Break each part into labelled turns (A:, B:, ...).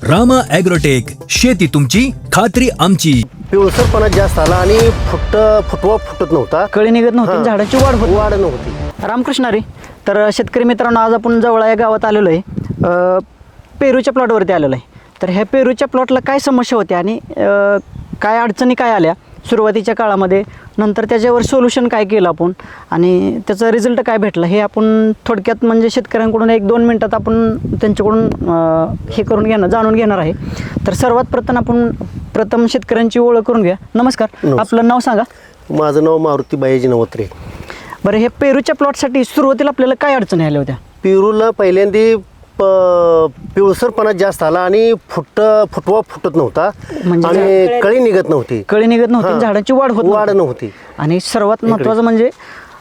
A: Rama agrotech, शेती तुमची खात्री आमची.
B: पिवळसरपणा जास्त आला आणि फुटवा फुटत नव्हता,
C: कळी निघत नव्हती, झाडाची
B: वाढ नव्हती.
C: रामकृष्ण हरी. तर शेतकरी मित्रांनो, आज आपण जवळ या गावात आलेलो आहे, पेरूच्या प्लॉटवरती आलेलो आहे. तर ह्या पेरूच्या प्लॉटला काय समस्या होत्या आणि काय अडचणी काय आल्या सुरुवातीच्या काळामध्ये, नंतर त्याच्यावर सोल्युशन काय केलं आपण आणि त्याचा रिझल्ट काय भेटला, हे आपण थोडक्यात म्हणजे शेतकऱ्यांकडून 1-2 मिनटात आपण त्यांच्याकडून हे जाणून घेणार आहे. तर सर्वात प्रथम शेतकऱ्यांची ओळख करून घ्या. नमस्कार, आपलं नाव सांगा.
B: माझं नाव मारुती बायाजी नवत्रे.
C: बरं, हे पेरूच्या प्लॉटसाठी सुरुवातीला आपल्याला काय अडचणी आल्या होत्या?
B: पेरूला पहिल्यांदा पिवळसरपणा जास्त आला आणि फुटवा फुटत नव्हता,
C: म्हणजे
B: आणि कळी निघत नव्हती,
C: झाडाची वाढ नव्हती. आणि सर्वात महत्त्वाचं म्हणजे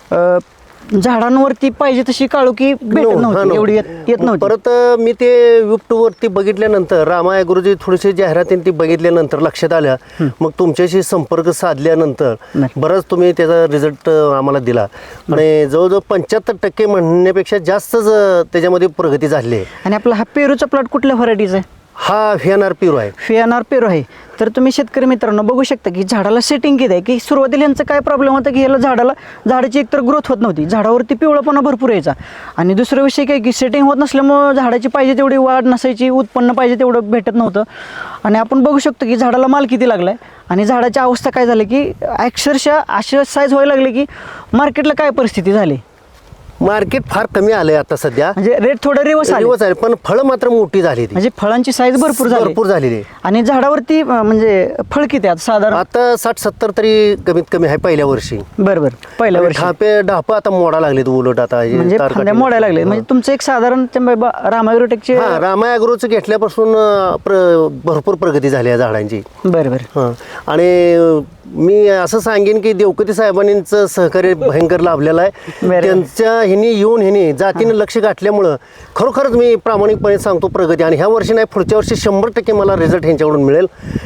C: झाडांवरती पाहिजे तशी काळोखी भेटत नव्हती, एवढी येत नव्हती.
B: परत मी ते यूट्यूबवरती बघितल्यानंतर, रामा ॲग्रोची थोडीशी जाहिरातीन ती बघितल्यानंतर लक्षात आल्या. मग तुमच्याशी संपर्क साधल्यानंतर बराच तुम्ही त्याचा रिझल्ट आम्हाला दिला आणि जवळजवळ 75% म्हणण्यापेक्षा जास्तच त्याच्यामध्ये प्रगती झाली आहे.
C: आणि आपला हा पेरूचा प्लॉट कुठल्या व्हरायटीचा आहे?
B: हा व्हीएनआर पेरू आहे.
C: व्हीएनआर पेरू आहे. तर तुम्ही शेतकरी मित्रांनो बघू शकता की झाडाला सेटिंग किती आहे, की सुरुवातीला यांचं काय प्रॉब्लेम होता की ह्याला झाडाची एकतर ग्रोथ होत नव्हती, झाडावरती पिवळपणा भरपूर यायचा. आणि दुसरा विषय काय की सेटिंग होत नसल्यामुळं झाडाची पाहिजे तेवढी वाढ नसायची, उत्पन्न पाहिजे तेवढं भेटत नव्हतं. आणि आपण बघू शकतो की झाडाला माल किती लागला आहे आणि झाडाची अवस्था काय झाली की अक्षरशः अशी साईज व्हायला लागली की मार्केटला काय परिस्थिती झाली.
B: मार्केट फार कमी आलंय आता सध्या,
C: म्हणजे रेट थोडं रिवर्स
B: आले, पण फळं मात्र मोठी झाली,
C: म्हणजे फळांची साईज भरपूर झालेली. आणि झाडावरती म्हणजे फळ किती आहेत साधारण? आता
B: 60-70 तरी कमीत कमी आहे पहिल्या वर्षी.
C: बरोबर, पहिल्या वर्षी
B: ढाप आता मोडा लागले उलट, आता
C: म्हणजे फांद्या मोडायला लागले. म्हणजे तुमचं एक साधारण रामा ॲग्रोटेकचे
B: रामा ॲग्रोचं घेतल्यापासून भरपूर प्रगती झाली आहे झाडांची.
C: बरोबर.
B: आणि मी असं सांगेन की देवकती साहेबांचं सहकार्य भयंकर लाभलेलं आहे. त्यांच्या ह्यांनी जातीनं लक्ष गाठल्यामुळं खरोखरच मी प्रामाणिकपणे सांगतो प्रगती. आणि ह्या वर्षी नाही, पुढच्या वर्षी 100% मला रिझल्ट ह्यांच्याकडून मिळेल.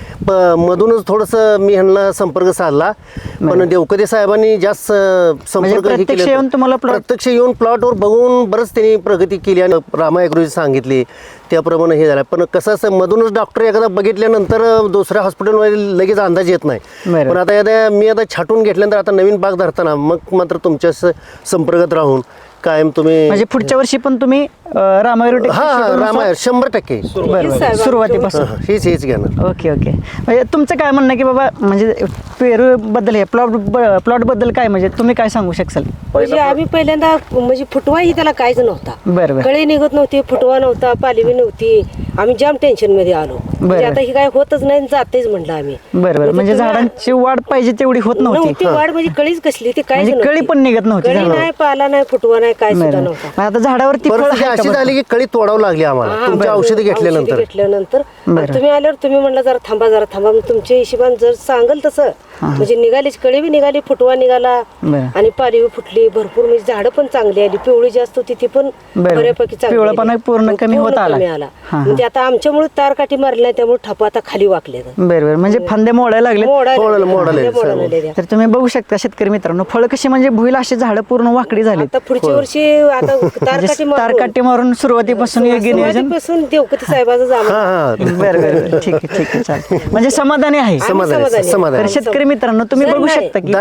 B: मधूनच थोडंसं मी ह्यांना संपर्क साधला, पण देवकते साहेबांनी जास्त संपर्क प्रत्यक्ष येऊन प्लॉटवर बघून बरंच त्यांनी प्रगती केली आणि रामा ॲग्रोची सांगितली त्याप्रमाणे हे झालं. पण कसं असं मधूनच डॉक्टर एखादा बघितल्यानंतर दुसऱ्या हॉस्पिटलमध्ये लगेच अंदाज येत नाही. पण आता मी छाटून घेतल्यानंतर आता नवीन बाग धरताना मग मात्र तुमच्या संपर्कात राहून कायम तुम्ही
C: म्हणजे पुढच्या वर्षी पण तुम्ही रामा ॲग्रोटेक
B: 100%
C: सुरुवातीपासून
B: हेच घेणार.
C: ओके. म्हणजे तुमचं काय म्हणणं की बाबा म्हणजे पेरू बद्दल, हे प्लॉट बद्दल काय म्हणजे तुम्ही काय सांगू शकाल?
D: म्हणजे आम्ही पहिल्यांदा म्हणजे फुटवाही त्याला काहीच नव्हता,
C: बरोबर,
D: कळी निघत नव्हती, फुटवा नव्हता, पालवी नव्हती. आम्ही जाम टेन्शन मध्ये आलो. म्हणजे आता ही काय होतच नाही, जातेच म्हणलं आम्ही.
C: बरोबर, म्हणजे झाडांची वाढ पाहिजे तेवढी होत नव्हती.
D: वाढ म्हणजे कळीच कसली ती, काय
C: कळी पण निघत नव्हती,
D: कळी नाही, पाला नाही, फुटवा नाही, काय सुद्धा नव्हता.
C: आता झाडावरती
B: अशी झाली की कळी तोडावं लागली आम्हाला तुमची औषधी घेतल्यानंतर.
D: तुम्ही आल्यावर तुम्ही म्हणला जरा थांबा, तुमच्या हिशोबाने जर सांगल तसं म्हणजे निघालीच, कळी बी निघाली, फुटवा निघाला आणि पालवी फुटली भरपूर. म्हणजे झाडं पण चांगली आली, पिवळी जास्त होती ती पण बऱ्यापैकी
C: पिवळपणा पूर्ण कमी होत आला.
D: म्हणजे आता आमच्यामुळे तार काठी मारली नाही, त्यामुळे ठपा आता खाली वाकले.
C: बरोबर, म्हणजे फांदे मोडायला लागले. तर तुम्ही बघू शकता शेतकरी मित्रांनो, फळ कशी म्हणजे भुईला अशी झाडं पूर्ण वाकडी झाली.
D: आता पुढच्या वर्षी आता
C: तारकाठी मारून सुरुवातीपासून
D: देवकती साहेबाचं.
C: बरोबर, ठीक आहे, चालेल. म्हणजे समाधानी आहे. तर शेतकरी मित्रांनो तुम्ही बघू शकता की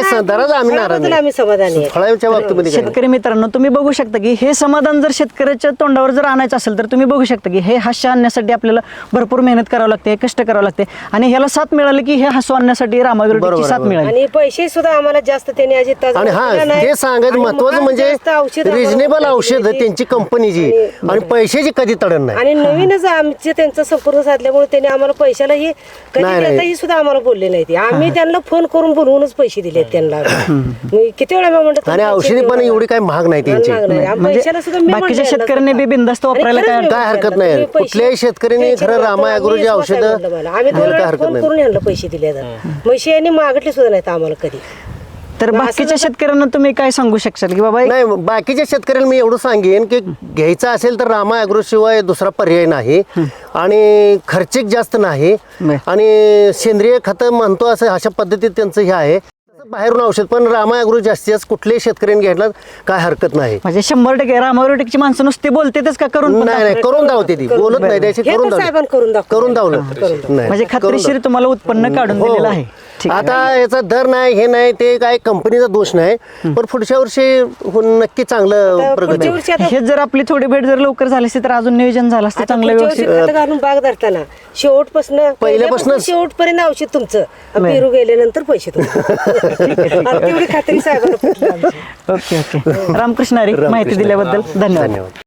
C: शेतकरी मित्रांनो तुम्ही बघू शकता की हे समाधान जर शेतकऱ्याच्या तोंडावर जर आणायचं असेल तर तुम्ही बघू शकता की हे हास्य आणण्यासाठी आपल्याला भरपूर मेहनत करावं लागते, कष्ट करावं लागते. आणि ह्याला साथ मिळाली की हे हसू आणण्यासाठी रामा ॲग्रोटेकची साथ मिळाली.
D: आणि पैसे सुद्धा आम्हाला जास्त त्याने
B: हे सांगायचं महत्वाचं म्हणजे रिजनेबल औषध त्यांची कंपनीची आणि पैशाची कधी तडण नाही.
D: आणि नवीनच आमचे त्यांचा संपर्क साधल्यामुळे त्यांनी आम्हाला पैशालाही कधी देताही सुद्धा आम्हाला बोलले नाही. आम्ही त्यांना फोन करून बोलवूनच पैसे दिले त्यांना. किती वेळा म्हणतो.
B: आणि औषधी पण एवढी काही महाग नाही त्यांची.
C: बाकीच्या शेतकऱ्यांनी बी बिनधास्त वापरायला काय
B: हरकत नाही. कुठल्याही शेतकऱ्यांनी खरं रामा ॲग्रोची औषधं
D: आम्ही फोन करून यांना पैसे दिले. पैसे यांनी मागितले सुद्धा नाहीत आम्हाला कधी.
C: तर बाकीच्या शेतकऱ्यांना तुम्ही काय सांगू शकाल की बाबा?
B: नाही, बाकीच्या शेतकऱ्यांना मी एवढं सांगेन की घ्यायचं असेल तर रामा ॲग्रो शिवाय दुसरा पर्याय नाही. आणि खर्चिक जास्त नाही आणि सेंद्रिय खतं म्हणतो असं अशा पद्धतीत त्यांचं हे आहे. बाहेरून औषध पण रामा ॲग्रो जास्तीत जास्त कुठल्याही शेतकऱ्यांनी घ्यायला काय हरकत नाही.
C: म्हणजे 100% रामारोटेकची माणसं नुसते बोलतेच का करून पण
B: नाही करून दावते ती बोलत नाही त्याची
D: हे
B: करून
D: तर साहेबांनी करून दाखवलं.
B: करून दावलं नाही
C: म्हणजे खात्रीशीर तुम्हाला उत्पन्न काढून
B: हो.
C: दिलेलं आहे. ठीक आहे.
B: आता याचा दर नाही हे नाही ते काय कंपनीचा दोष नाही पण पुढच्या वर्षी नक्की चांगलं प्रगती
D: पुढच्या
B: होईल.
D: वर्षी आता
C: हे जर आपली थोडी भेट जर लवकर झाली असती तर अजून नियोजन झालं असतं
D: आता
C: चांगलं
D: पुढच्या वर्षी
C: व्यवस्थित.
D: खत घालून बाग धरताना पहिल्यापासून शेवटपर्यंत औषध तुमचं पेरू गेल्यानंतर पैसे तुमचे आता तेवढी खात्री साहेबांना पटली आमची.
C: ओके ओके रामकृष्ण हरी माहिती दिल्याबद्दल धन्यवाद.
B: धन्यवाद.